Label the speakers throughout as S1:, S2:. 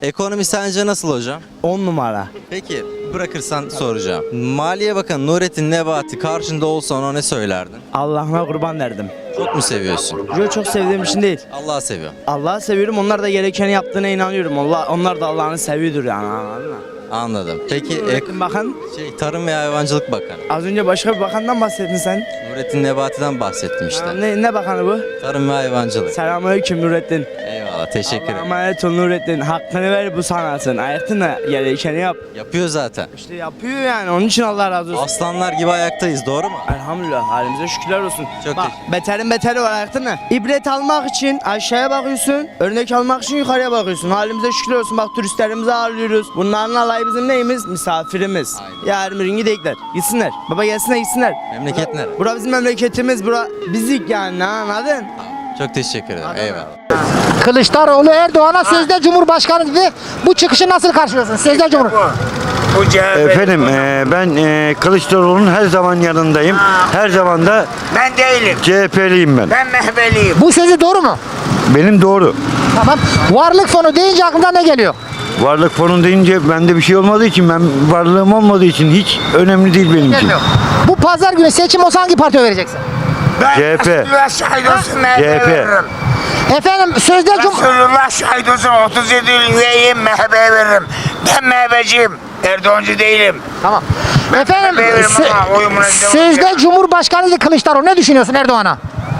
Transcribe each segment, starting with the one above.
S1: Ekonomi sence nasıl hocam?
S2: 10 numara.
S1: Peki bırakırsan soracağım. Maliye Bakanı Nurettin Nebati karşında olsa ona ne söylerdin?
S2: Allah'ına kurban derdim.
S1: Çok mu seviyorsun?
S2: Yo, çok sevdiğim için değil.
S1: Allah'ı seviyorum.
S2: Allah'ı seviyorum. Onlar da gerekeni yaptığına inanıyorum. Onlar da Allah'ını seviyordur yani. Anladın mı?
S1: Anladım. Peki
S2: Nurettin Bakan,
S1: Tarım ve Hayvancılık Bakanı.
S2: az önce başka bir bakandan bahsettin sen.
S1: Nurettin Nebati'den bahsettim işte.
S2: Ne bakanı bu?
S1: Tarım ve Hayvancılık.
S2: Selamünaleyküm Nurettin.
S1: Eyvallah, teşekkür
S2: Allah'a
S1: ederim.
S2: emanet ol Nurettin. Hakkını ver bu sanatın. Ayakta gerekeni yap.
S1: Yapıyor zaten.
S2: İşte yapıyor yani. Onun için Allah razı olsun.
S1: Aslanlar gibi ayaktayız, doğru mu?
S2: Elhamdülillah, halimize şükürler olsun.
S1: Çok
S2: Bak, beterin beteri var, ayakta ne? İbret almak için aşağıya bakıyorsun, örnek almak için yukarıya bakıyorsun. Halimize şükürler olsun. Bak, turistlerimizi ağırlıyoruz. Bunların alayı bizim neyimiz? Misafirimiz.
S1: Aynen.
S2: Yarın bir gün gidecekler. Gitsinler. Baba gelsinler, gitsinler.
S1: Memleket nere?
S2: Bura bizim memleketimiz. Bura bizik yani, anladın?
S1: Çok teşekkür ederim. Eyvallah.
S3: Kılıçdaroğlu Erdoğan'a sözde Cumhurbaşkanı dedi. Bu çıkışı nasıl karşılıyorsun? Sözde Cumhur.
S4: Efendim ben Kılıçdaroğlu'nun her zaman yanındayım. Her zaman da
S5: Ben değilim.
S4: CHP'liyim ben.
S5: Ben Mehveliyim.
S3: Bu sözü doğru mu?
S4: Benim doğru.
S3: Tamam. Varlık fonu deyince aklına ne geliyor?
S4: Varlık fonu deyince bende bir şey olmadığı için, ben varlığım olmadığı için hiç önemli değil benim için.
S3: Gelmiyor. Bu pazar günü seçim olsa hangi partiye vereceksin?
S5: Ben
S4: CHP.
S5: Resulullah şahit olsun MHP'ye
S4: CHP.
S5: veririm.
S3: Efendim sözde
S5: Resulullah şahit olsun 37 yıl üyeyim MHP'ye veririm. Ben MHP'ciyim. Erdoğancı değilim.
S3: Tamam. Efendim
S5: veririm ama oyumuna
S3: sözde
S5: gidelim.
S3: Cumhurbaşkanı dedi Kılıçdaroğlu. Ne düşünüyorsun Erdoğan'a?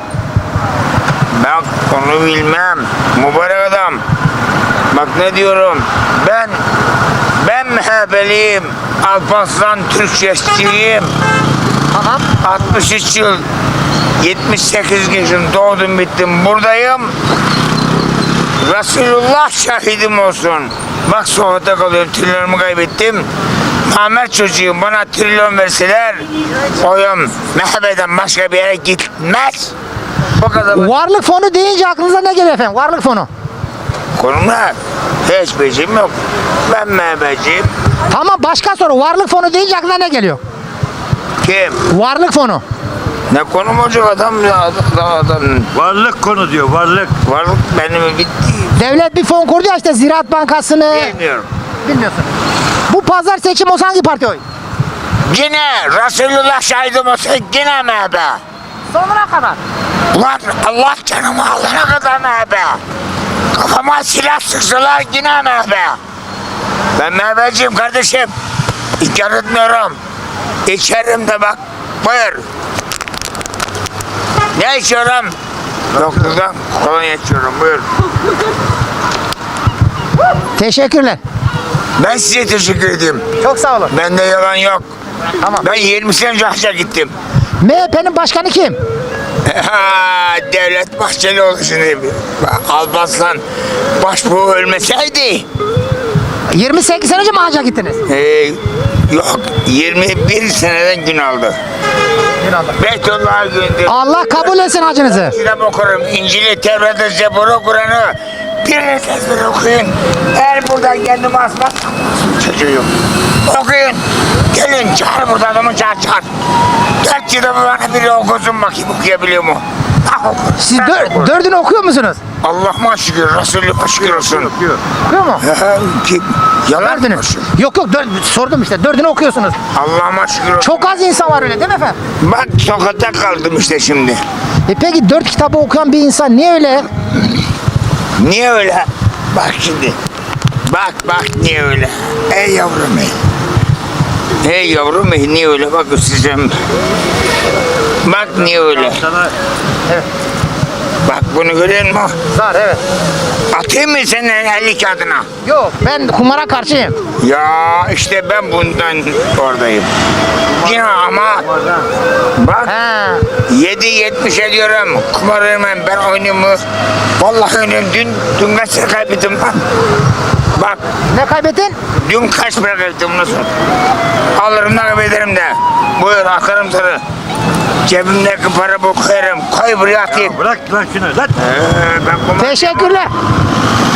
S5: Ben onu bilmem. Mübarek adam. Bak ne diyorum. Ben MHP'liyim. Alparslan Türkçesçiyim.
S3: Tamam.
S5: 63 yıl 78 yaşım doğdum bittim buradayım. Resulullah şahidim olsun. Bak sohbete kalıyorum, trilyonumu kaybettim. Namert çocuğum, bana trilyon verseler oyum MHP'den başka bir yere gitmez. Bu kadar.
S3: Varlık fonu deyince aklınıza ne geliyor efendim? Varlık fonu.
S5: Konumlar hiç becim yok. Ben MHP'ciyim.
S3: Tamam, başka soru. Varlık fonu deyince aklına ne geliyor?
S5: Kim?
S3: Varlık fonu.
S5: Ne konum olacak adam ya, adam.
S4: Varlık konu diyor, varlık.
S5: Varlık benim bitti.
S3: Devlet bir fon kurdu ya, işte Ziraat Bankası'nı.
S5: Bilmiyorum.
S3: Bilmiyorsun. Bu pazar seçim olsa hangi parti oy?
S5: Yine Resulullah şahidim olsa yine MHP.
S3: Sonuna kadar.
S5: Ulan Allah canımı alana kadar MHP. Kafama silah sıksalar yine MHP. Ben MHP'ciyim kardeşim. İnkar etmiyorum. İçerim de bak. Buyur. Ne içiyorum? Doktordan kolonya içiyorum. Buyur.
S3: Teşekkürler.
S5: Ben size teşekkür edeyim.
S3: Çok sağ olun.
S5: Bende yalan yok.
S3: Tamam.
S5: Ben 20 sene önce hacca gittim.
S3: MHP'nin başkanı kim?
S5: Devlet Bahçelioğlu şimdi. Alparslan başbuğ ölmeseydi.
S3: 28 sene önce mi hacca gittiniz?
S5: Yok 21 seneden gün aldı. Beytullah'a gündür.
S3: Allah kabul etsin hacınızı.
S5: Kitap okurum. İncil'i, Tevrat'ı, Zebur'u, Kur'an'ı. Birini ezber okuyun. Eğer buradan kendimi asmaz, çocuğum. Okuyun. Gelin çağır burada adamı çağır. 4 kitabı bana biri okusun bakayım okuyabiliyor mu?
S3: Siz dördünü okuyor musunuz?
S5: Allah'ıma şükür, Resulü'ne şükür olsun.
S3: Okuyor mu?
S5: Kim? Yalan
S3: Dördünü.
S5: mı?
S3: Yok sordum işte, dördünü okuyorsunuz.
S5: Allah'ıma şükür olsun.
S3: Çok az insan var öyle değil mi efendim?
S5: Bak sokakta kaldım işte şimdi.
S3: Peki 4 kitabı okuyan bir insan niye öyle?
S5: Niye öyle? Bak şimdi. Bak niye öyle? Ey yavrum ey. Hey yavrum ey niye öyle? Bak size. Bak niye öyle?
S3: Evet.
S5: Bak bunu görüyor musun?
S3: Var, evet.
S5: Atayım mı senin 50 kağıdına?
S3: Yok, ben kumara karşıyım.
S5: Ya işte ben bundan oradayım. Yine ama bak
S3: He.
S5: 7.70 ediyorum. Kumar oynamam ben oynuyorum mu? Vallahi oynuyorum. Dün kaç lira kaybettim lan? Bak
S3: Ne kaybettin?
S5: dün kaç para kaybettim nasıl? Alırım da kaybederim de. Buyur akarım sana. Cebimdeki para bu koyarım. Koy buraya atayım.
S4: Bırak lan şunu, lan.
S5: Ben kumar
S3: Teşekkürler.